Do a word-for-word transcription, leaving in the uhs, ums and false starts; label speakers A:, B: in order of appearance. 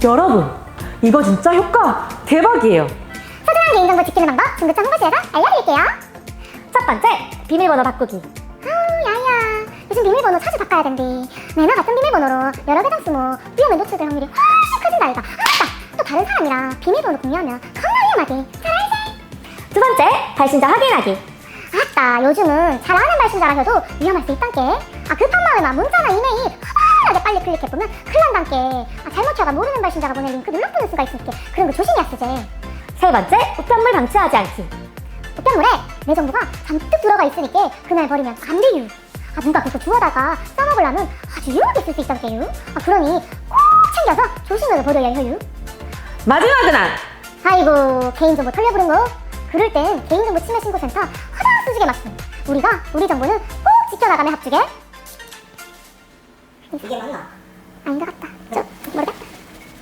A: 여러분, 이거 진짜 효과 대박이에요.
B: 소중한 개인정보 지키는 방법 중구청 홍보실에서 알려드릴게요.
C: 첫 번째, 비밀번호 바꾸기.
B: 아우 야야, 요즘 비밀번호 자주 바꿔야 된대. 매나 같은 비밀번호로 여러 계정 쓰면 위험에 노출될 확률이 훨씬 커진다 이가. 아 맞다, 또 다른 사람이랑 비밀번호 공유하면 겁나 위험하대. 잘 알지?
C: 두 번째, 발신자 확인하기.
B: 아따, 요즘은 잘 아는 발신자라서도 위험할 수 있단께. 아 급한 마음에만 문자나 이메일 허벌하게 빨리 클릭해보면 큰일 난단께. 아 잘못 쳐가 모르는 발신자가 보낸 링크 눌러보는 수가 있으니까 그런 거 조심해야 쓰지.
C: 세 번째, 우편물 방치하지 않기.
B: 우편물에 내 정보가 잔뜩 들어가 있으니까 그날 버리면 안 돼요. 아 누가 그거 주워다가 써먹으려면 아주 유용하게 쓸 수 있단께요. 아 그러니 꼭 챙겨서 조심해서 버려야 해요.
A: 마지막은 안!
B: 아이고, 개인정보 털려부른 거? 그럴 땐 개인정보 침해 신고센터 허다 쓰지게 맞음. 우리가 우리 정보는 꼭 지켜나가며 합주게.
C: 이게 맞나?
B: 아닌 것 같다. 저 모르겠다.